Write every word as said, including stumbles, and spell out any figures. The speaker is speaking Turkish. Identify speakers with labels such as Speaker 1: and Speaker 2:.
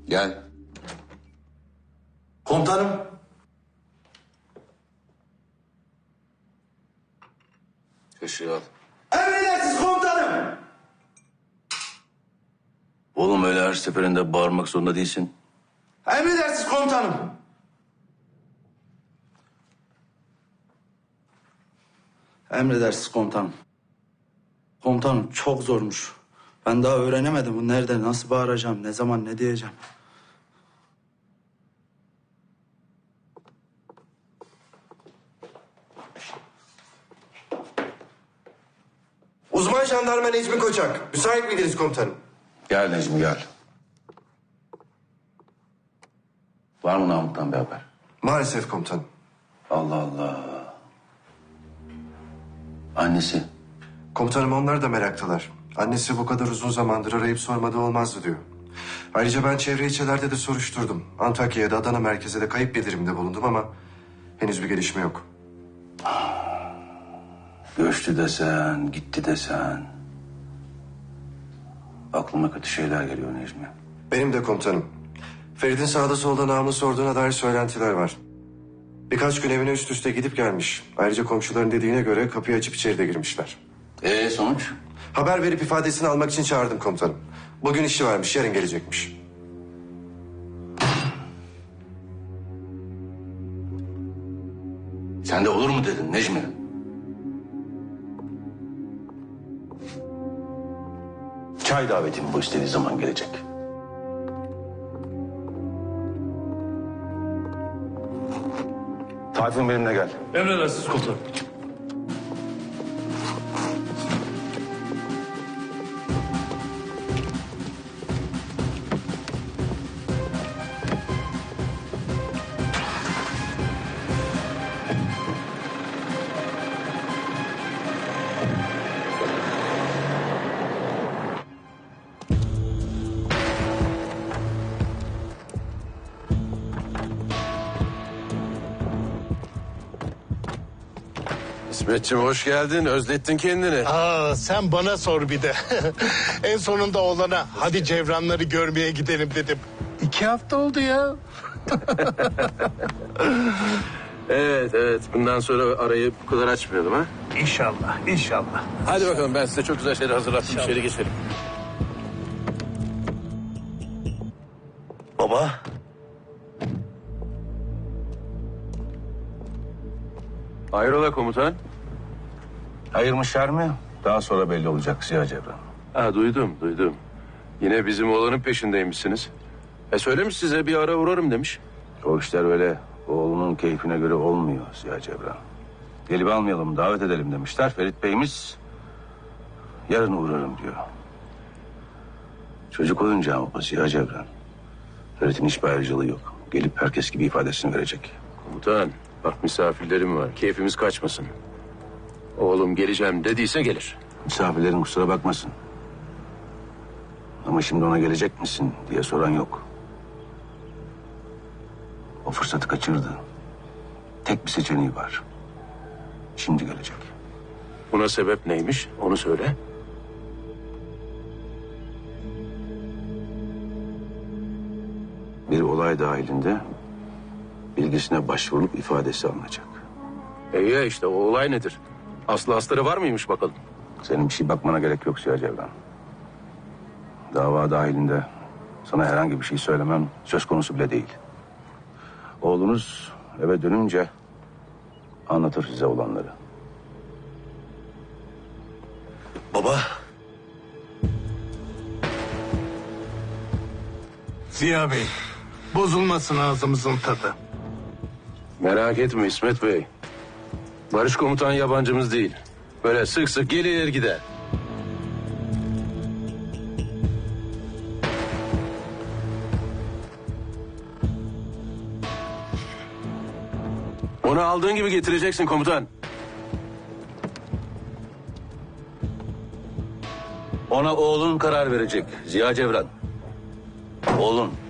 Speaker 1: Gel.
Speaker 2: Komutanım.
Speaker 1: Kaşığı al.
Speaker 2: Emredersiniz komutanım.
Speaker 1: Oğlum öyle her seferinde bağırmak zorunda değilsin.
Speaker 2: Emredersiniz komutanım. Emredersiniz komutanım. Komutanım çok zormuş. Ben daha öğrenemedim bu nerede, nasıl bağıracağım, ne zaman, ne diyeceğim.
Speaker 3: Uzman jandarma Necmi Koçak. Müsait miydiniz komutanım?
Speaker 1: Gel Necmi gel. Var mı Namık'tan bir haber?
Speaker 3: Maalesef komutanım.
Speaker 1: Allah Allah. Annesi.
Speaker 3: Komutanım onlar da meraktalar. Annesi bu kadar uzun zamandır arayıp sormadı olmazdı diyor. Ayrıca ben çevre ilçelerde de soruşturdum. Antakya'ya da Adana merkeze de kayıp bildirimde bulundum ama henüz bir gelişme yok.
Speaker 1: Göçtü desen, gitti desen. Aklıma kötü şeyler geliyor Necmi.
Speaker 3: Benim de komutanım. Ferit'in sağda solda namını sorduğuna dair söylentiler var. Birkaç gün evine üst üste gidip gelmiş. Ayrıca komşuların dediğine göre kapıyı açıp içeri de girmişler.
Speaker 1: Ee sonuç?
Speaker 3: Haber verip ifadesini almak için çağırdım komutanım. Bugün işi varmış, yarın gelecekmiş.
Speaker 1: Sen de olur mu dedin Necmi? Çay davetim bu istediği zaman gelecek. Tayfun benimle gel.
Speaker 4: Emredersiniz komutanım.
Speaker 5: İsmetciğim hoş geldin. Özlettin kendini.
Speaker 6: Aa, sen bana sor bir de. En sonunda oğlana hadi Cevranları görmeye gidelim dedim. İki hafta oldu ya.
Speaker 5: Evet evet. Bundan sonra arayı bu kadar açmayalım ha.
Speaker 6: İnşallah, inşallah.
Speaker 5: Hadi bakalım ben size çok güzel şeyler hazırlattım. İçeri geçelim.
Speaker 1: Baba.
Speaker 5: Hayrola komutan?
Speaker 1: Hayır mı şer mi? Daha sonra belli olacak Ziya Cevran.
Speaker 5: Ha duydum duydum. Yine bizim oğlanın peşindeymişsiniz. E söylemiş size bir ara uğrarım demiş.
Speaker 1: O işler öyle oğlunun keyfine göre olmuyor Ziya Cevran. Gelip almayalım, davet edelim demişler. Ferit Bey'imiz yarın uğrarım diyor. Çocuk olunca ama Ziya Cevran. Ferit'in hiçbir ayrıcalığı yok. Gelip herkes gibi ifadesini verecek.
Speaker 5: Komutan bak misafirlerim var. Keyfimiz kaçmasın. Oğlum geleceğim dediyse gelir.
Speaker 1: Misafirlerin kusura bakmasın. Ama şimdi ona gelecek misin diye soran yok. O fırsatı kaçırdı. Tek bir seçeneği var. Şimdi gelecek.
Speaker 5: Buna sebep neymiş onu söyle.
Speaker 1: Bir olay dahilinde bilgisine başvurup ifadesi alınacak.
Speaker 5: E ya işte o olay nedir? Aslı astarı var mıymış bakalım?
Speaker 1: Senin bir şey bakmana gerek yok Ziya Cevran. Dava dahilinde sana herhangi bir şey söylemem söz konusu bile değil. Oğlunuz eve dönünce anlatır size olanları.
Speaker 2: Baba.
Speaker 6: Ziya Bey, bozulmasın ağzımızın tadı.
Speaker 5: Merak etme İsmet Bey. Barış komutan yabancımız değil. Böyle sık sık gelir gider. Onu aldığın gibi getireceksin komutan.
Speaker 1: Ona oğlun karar verecek Ziya Cevran. Oğlun.